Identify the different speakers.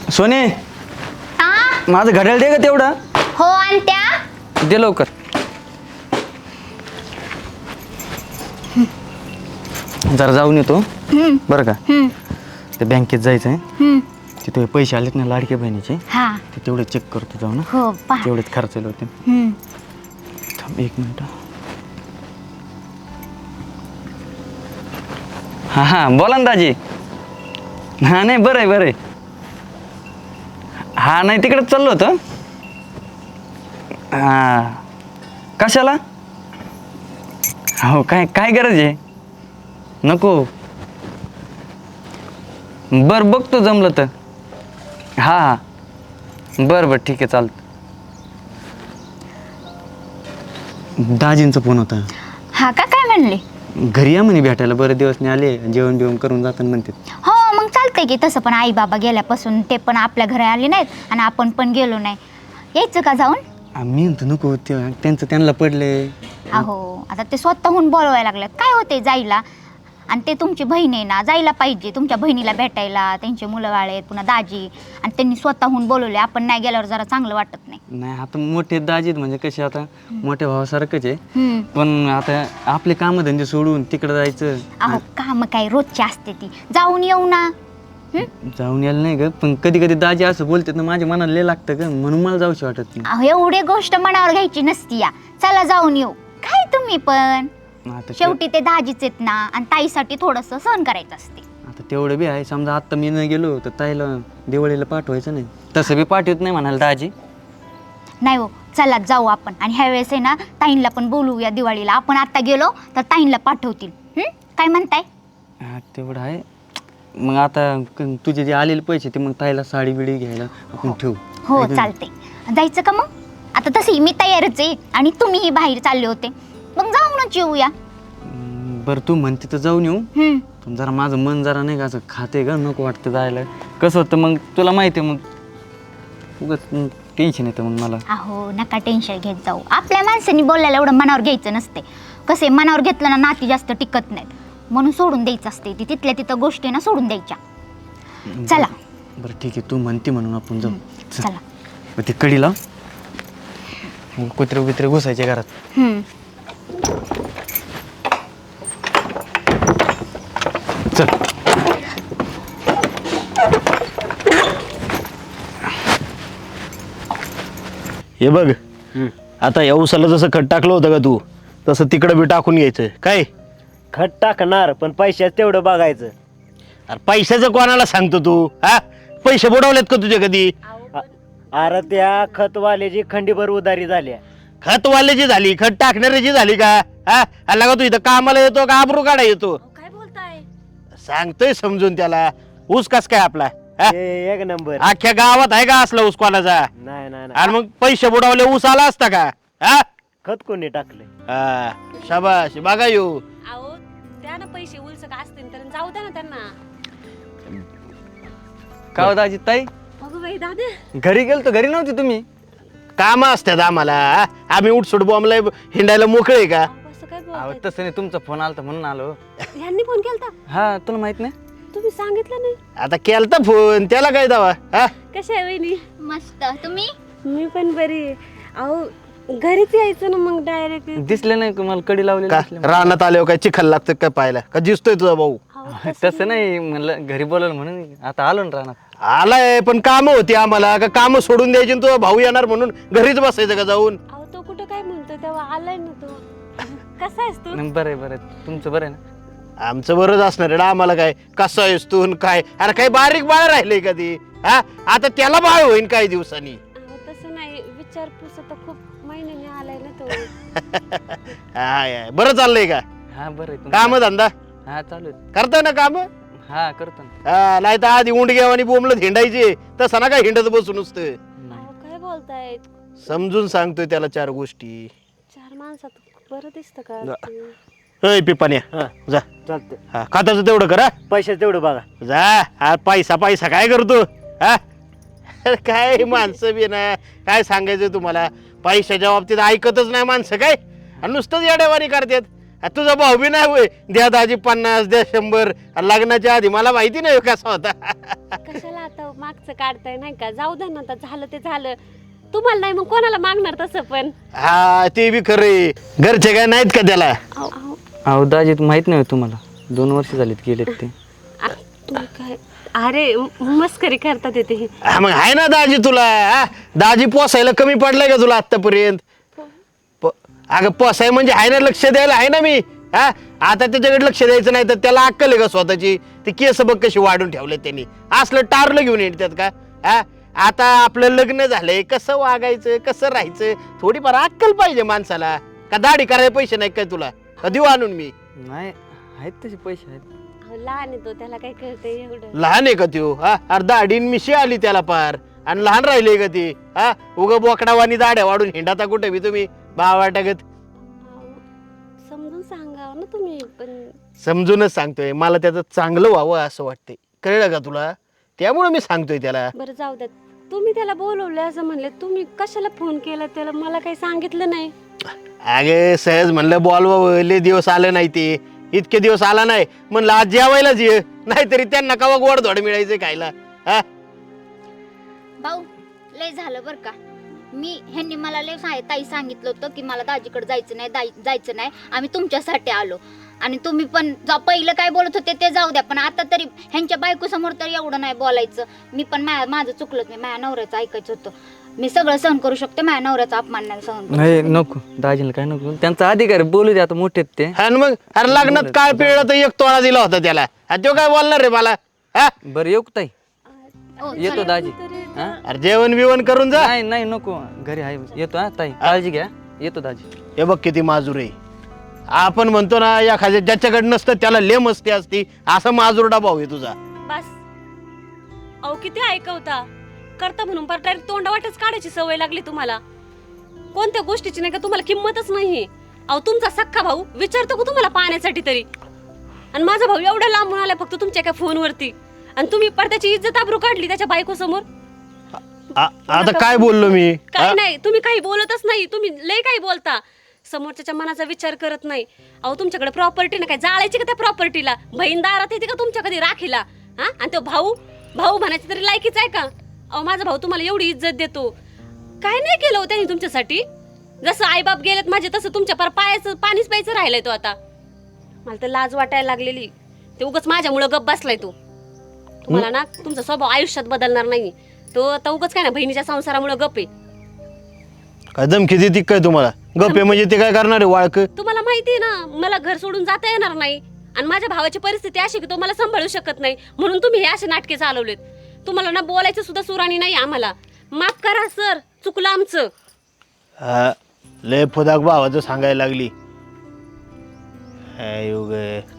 Speaker 1: सोने
Speaker 2: हा
Speaker 1: माझं घड्याळ दे का तेवढं.
Speaker 2: हो आणत्या.
Speaker 1: दे लवकर. जरा जाऊन येतो बरं का. ते बँकेत जायचं आहे. तिथे पैसे आलेत ना लाडक्या बहिणीचे,
Speaker 2: हा
Speaker 1: ते तेवढे चेक करतो जाऊ ना.
Speaker 2: हो पहा.
Speaker 1: तेवढेच खर्चले होते. थांब 1 मिनिट. हां हां बोला ना दाजी. हां नाही बरं आहे बरं आहे. हां नाही तिकडेच चाललो होतं. हां कशाला. हो काय काय गरज आहे. नको बरं बघतो जमलं तर. हां हां बरं बरं ठीक आहे चालतं. दाजींचा फोन होता.
Speaker 2: हा का काय म्हणले.
Speaker 1: घरी या म्हणे भेटायला, बरेच दिवस नाही आले, जेवण बिवण करून जाताना म्हणते.
Speaker 2: हो मग चालतंय की तसं, पण आई बाबा गेल्यापासून ते पण आपल्या घरी आले नाहीत आणि आपण पण गेलो नाही. यायचं का जाऊन.
Speaker 1: मी म्हणतो नको त्यांचं त्यांना पडले.
Speaker 2: अहो आता ते स्वतःहून बोलवायला लागल्यात, काय होते जायला. आणि ते तुमची बहीण आहे ना, जायला पाहिजे तुमच्या बहिणीला भेटायला. त्यांचे मुलं बाळ आहेत पुन्हा दाजी, आणि त्यांनी स्वतःहून बोलवले. आपण नाही गेल्यावर जरा चांगलं वाटत नाही.
Speaker 1: नाही आता मोठे दाजीत म्हणजे कसे आता मोठ्या भावासारखंच आहे. पण आता आपले कामधंदे सोडून तिकडे जायचं.
Speaker 2: अहो काम काय रोजची असते ती, जाऊन येऊ ना.
Speaker 1: जाऊन यायला नाही ग, पण कधी कधी दाजी असं बोलतात ना माझ्या मनाला लय लागतं ग, म्हणून मला जाऊशी वाटत नाही.
Speaker 2: अहो एवढी गोष्ट मनावर घ्यायची नसती या. चला जाऊन येऊ. काय तुम्ही पण
Speaker 1: आता
Speaker 2: शेवटी ते दाजीच आहेत ना, आणि ताईसाठी थोडंसं सहन करायचं असते.
Speaker 1: आता तेवढं बी आहे. समजा आत्ता मी न गेलो तर ताईला दिवाळीला पाठवायचं नाही, तसं बी पाठवत नाही म्हणाल दाजी.
Speaker 2: नाही हो चला जाऊ आपण. आणि ह्या वेळेस आहे ना ताईंला पण बोलवूया दिवाळीला. आपण आता गेलो तर ताईंला पाठवतील. काय म्हणताय.
Speaker 1: हा तेवढं आहे. मग आता तुझे जे आलेले पैसे ते मग ताईला साडी बिडी घ्यायला आपण ठेवू.
Speaker 2: हो चालते. जायचं का मग. आता तशी मी तयारच आहे आणि तुम्हीही बाहेर चालले होते, मग जाऊनच येऊया.
Speaker 1: बरं तू म्हणते तर जाऊन येऊ. पण जरा माझं मन जरा नाही का असं खाते ग, नको वाटतं जायला. कसं होतं मग तुला माहिती आहे, मग उगाच टेन्शन येतं मग मला.
Speaker 2: अहो नका टेन्शन घेत जाऊ. आपल्या माणसांनी बोलायला एवढं मनावर घ्यायचं नसते. कसे मनावर घेतलं ना नाती जास्त टिकत नाहीत, म्हणून सोडून द्यायचं असते. ती तिथल्या तिथं गोष्टी ना सोडून द्यायच्या. चला
Speaker 1: बरं ठीक आहे, तू म्हणते म्हणून आपण जाऊ.
Speaker 2: चला
Speaker 1: ते कडी लाव, कुत्रे बित्रे घुसायचे घरात. चल
Speaker 3: हे बघ, आता या उसाला जसं खत टाकलं होतं का तू, तसं तिकडं बी टाकून घ्यायचं. काय
Speaker 4: खत टाकणार पण पैशाच तेवढं बघायचं.
Speaker 3: अरे पैशाचं कोणाला सांगतो तू. हा पैसे बुडवलेत का तुझे कधी.
Speaker 4: अरे त्या खतवाल्याची खंडीभर उधारी झाल्या.
Speaker 3: खतवाल्याची झाली, खत टाकणाऱ्याची झाली का. हा आला का तू इथं कामाला येतो का आबरू काढा येतो.
Speaker 5: काय बोलताय.
Speaker 3: सांगतोय समजून त्याला. ऊस कस काय आपला.
Speaker 4: एक नंबर.
Speaker 3: अख्ख्या गावात आहे का असला ऊस कोणाचा.
Speaker 4: नाही नाही
Speaker 3: आणि मग पैसे बुडवले ऊस आला असता का. हा
Speaker 4: खत कोणी टाकले.
Speaker 3: हा शाबाश बघा येऊ.
Speaker 5: अहो द्या ना पैसे, उलस का असतील तर जाऊ द्या ना त्यांना.
Speaker 1: का हो दाजी ताई,
Speaker 5: अगं बाई दादा.
Speaker 1: घरी गेलतो, घरी नव्हती तुम्ही.
Speaker 3: काम असतात आम्हाला. आम्ही उठसूट बॉम्बला हिंडायला मोकळे का.
Speaker 5: असं काय
Speaker 1: अहो
Speaker 5: बोलताय.
Speaker 1: तसं नाही, तुमचा फोन आलता म्हणून आलो.
Speaker 5: ह्यांनी फोन केलता.
Speaker 1: हा तुला माहित नाही.
Speaker 5: तुम्ही सांगितलं नाही.
Speaker 3: आता केलता फोन, त्याला काय दावा. हा
Speaker 5: कशा आहे वहिनी.
Speaker 2: मस्त. तुम्ही.
Speaker 5: मी पण बरी आहे. अहो घरीच यायचं ना मग डायरेक्ट.
Speaker 1: दिसले नाही का मला कडी लावलेली
Speaker 3: का
Speaker 1: दिसले.
Speaker 3: रानात आल्यावर काय चिखल लागतं काय पाहायला का. दिसतोय तुझा भाऊ.
Speaker 1: तसं नाही म्हणलं, घरी बोलवलं म्हणून आता आलो ना रानात.
Speaker 3: आलाय पण काम होती आम्हाला का. काम सोडून द्यायची तुझा भाऊ येणार म्हणून घरीच बसायचं का जाऊन.
Speaker 5: अहो तो कुठं काय म्हणतो तेव्हा आलाय ना तो. कसा आहेस तू.
Speaker 1: नाही, बरं आहे बरं आहे. तुमचं बरं आहे ना.
Speaker 3: आमचं बरंच असणार आहे. आम्हाला काय कसं आहेस तू न काय. अरे काही बारीक बाळ राहिलंय कधी. हा आता त्याला बाळ होईन काही दिवसांनी.
Speaker 5: अहो तसं नाही, विचारपूस आता खूप महिन्याने आलाय ना तो.
Speaker 3: हाय बरं चाललंय का.
Speaker 1: हा बरं आहे.
Speaker 3: काम धंदा
Speaker 1: हा चालू आहे.
Speaker 3: करताय ना काम.
Speaker 1: हा करतो ना.
Speaker 3: नाही तर आधी उंडग्याव आणि बोंबलत हिंडायचे तसं ना काय हिंडत बसून नुसतं.
Speaker 5: अहो काय बोलताय.
Speaker 3: समजून सांगतोय त्याला 4 गोष्टी.
Speaker 5: 4 माणसात बरं दिसतं का.
Speaker 3: अय पिपाण्या जा.
Speaker 4: चालतंय.
Speaker 3: हा खात्याचं तेवढं करा.
Speaker 4: पैशाच तेवढं बघा.
Speaker 3: जा. हा पैसा पैसा काय करतो. हा काय माणसं बी ना काय सांगायचं तुम्हाला. पैशाच्या बाबतीत ऐकतच नाही माणसं काय. आणि नुसतंच येड्यावानी करतात. तुझा भाऊ बी नाही होय द्या दाजी 50 द्या 100. लग्नाच्या आधी मला माहिती नाही कसा होता.
Speaker 5: कशाला आता मागचं काढताय नाही का? जाऊ द्या ना, आता झालं ते झालं. तुम्हाला नाही मग कोणाला मागणार तसं पण?
Speaker 3: हा ते बी खरे. घरचे काय नाहीत का त्याला?
Speaker 1: अहो दाजी माहित नाही तुम्हाला 2 वर्ष झालीत गेलेत ते.
Speaker 5: तुम्ही काय अरे मस्करी करतात येते.
Speaker 3: हा, मग आहे ना दाजी तुला. हा? दाजी पोसायला कमी पडलाय का तुला आतापर्यंत? अगं पोसाय म्हणजे आहे ना, लक्ष द्यायला आहे ना मी. हा आता त्याच्याकडे लक्ष द्यायचं नाही तर त्याला अक्कल आहे का स्वतःची? ती केस बघ कशी वाढून ठेवले त्यांनी. असलं टारलं घेऊन येतात का? हा आता आपलं लग्न झालंय, कसं वागायचं कसं राहायचं थोडीफार अक्कल पाहिजे माणसाला. का दाढी करायला पैसे नाही काय तुला? का देऊ आणून मी?
Speaker 1: नाही आहेत तसे पैसे आहेत.
Speaker 5: लहान आहे तो, त्याला काय कळतंय एवढं?
Speaker 3: लहान आहे का त्यो? हा अरे दाढीन मिशी आली त्याला पार आणि लहान राहिले का ती? हा उग बोकडावानी दाढ्या वाढून हिंडाता कुठे बी तुम्ही बावाटागत.
Speaker 5: समजून सांगावं ना तुम्ही पण.
Speaker 3: समजूनच सांगतोय, मला त्याचं चांगलं व्हावं असं वाटतंय. कळलं का तुला? त्यामुळे मी सांगतोय त्याला.
Speaker 5: बरं जाऊ द्या, तुम्ही त्याला बोलवले असं म्हणले, तुम्ही कशाला फोन केला त्याला? मला काही सांगितलं नाही.
Speaker 3: अगे सहज म्हणलं बोलवावं, लय दिवस आलं नाही ते. इतके दिवस आला नाही म्हणलं आज जेवायलाच ये, नाहीतरी त्यांना कवा गोड धोड मिळायचं खायला. हा
Speaker 2: भाऊ लय झालं बरं का. ह्यांनी मला लय ताई सांगितलं होतं की मला दाजीकडे जायचं नाही, आम्ही तुमच्यासाठी आलो. आणि तुम्ही पण पहिलं काय बोलत होते ते जाऊ द्या, पण आता तरी ह्यांच्या बायको समोर तर एवढं नाही बोलायचं. मी पण माझं चुकलं, मी माझ्या नवऱ्याचं ऐकायचं होतं. मी सगळं सहन करू शकते, माझ्या नवऱ्याचा अपमान नाही सहन करू
Speaker 1: नाही
Speaker 2: शकते.
Speaker 1: नको दाजीला काय नको, त्यांचा अधिकार आहे, बोलू दे आता मोठे आहेत ते.
Speaker 3: आणि मग अरे लग्नात काळ पिळला तर 1 तोळा दिला होता त्याला. तो काय बोलणार रे मला? हा
Speaker 1: बरं येऊ का ताई?
Speaker 2: हो,
Speaker 1: येतो दाजी. हा?
Speaker 3: अरे जेवण बिवण करून जा.
Speaker 1: नाही नाही नको, घरी आहे. येतो हा ताई, काळजी घ्या. येतो दाजी.
Speaker 3: हे बघ किती माजूर आहे. आपण म्हणतो ना एखाद्या ज्याच्याकडे नसतं त्याला लय मस्ती असती, असा माजूरडा भाऊ आहे तुझा.
Speaker 5: बस अहो किती ऐकवता करता म्हणून पर डायरेक्ट तोंडावाटच काढायची सवय लागली तुम्हाला. कोणत्या गोष्टीची नाही का तुम्हाला किंमतच नाही. अहो तुमचा सख्खा भाऊ विचारतो का तुम्हाला पाण्यासाठी तरी? आणि माझा भाऊ एवढा लांबून आलाय फक्त तुमच्या एका फोनवरती, आणि तुम्ही पडद्याची इज्जत आबरू काढली त्याच्या बायको समोर.
Speaker 3: आता काय बोललो मी?
Speaker 5: काय नाही, तुम्ही काही बोलतच नाही. तुम्ही लय काही बोलता, समोरच्या मनाचा विचार करत नाही. अहो तुमच्याकडे प्रॉपर्टी ना काय जाळायची का त्या प्रॉपर्टीला? बहीण दारात येते का तुमच्या कधी राखीला? हा आणि तो भाऊ म्हणायची तरी लायकीच आहे का? अहो माझा भाऊ तुम्हाला एवढी इज्जत देतो, काय नाही केलं त्यांनी तुमच्यासाठी? जसं आईबाप गेलेत माझे तसं तुमच्या पार पायाचं पाणीच प्यायचं राहिलंय तो. आता मला तर लाज वाटायला लागलेली. ते उगाच माझ्यामुळं गप बसलाय तो. तुम्हाला ना तुमचा स्वभाव आयुष्यात बदलणार नाही तो. आता उगाच काय ना बहिणीच्या संसारामुळे गप आहे.
Speaker 3: काय धमकी देते काय तुम्हाला? गप्पे म्हणजे ते काय करणार आहे वाळक?
Speaker 5: तुम्हाला माहिती आहे ना मला घर सोडून जाता येणार नाही, आणि माझ्या भावाची परिस्थिती अशी की तो मला सांभाळू शकत नाही, म्हणून तुम्ही हे असे नाटके चालवलेत. तुम्हाला ना बोलायचं सुद्धा सुराणी नाही आम्हाला. माफ करा सर, चुकलं आमचं.
Speaker 3: लय फुदाक भावाचं सांगायला लागली.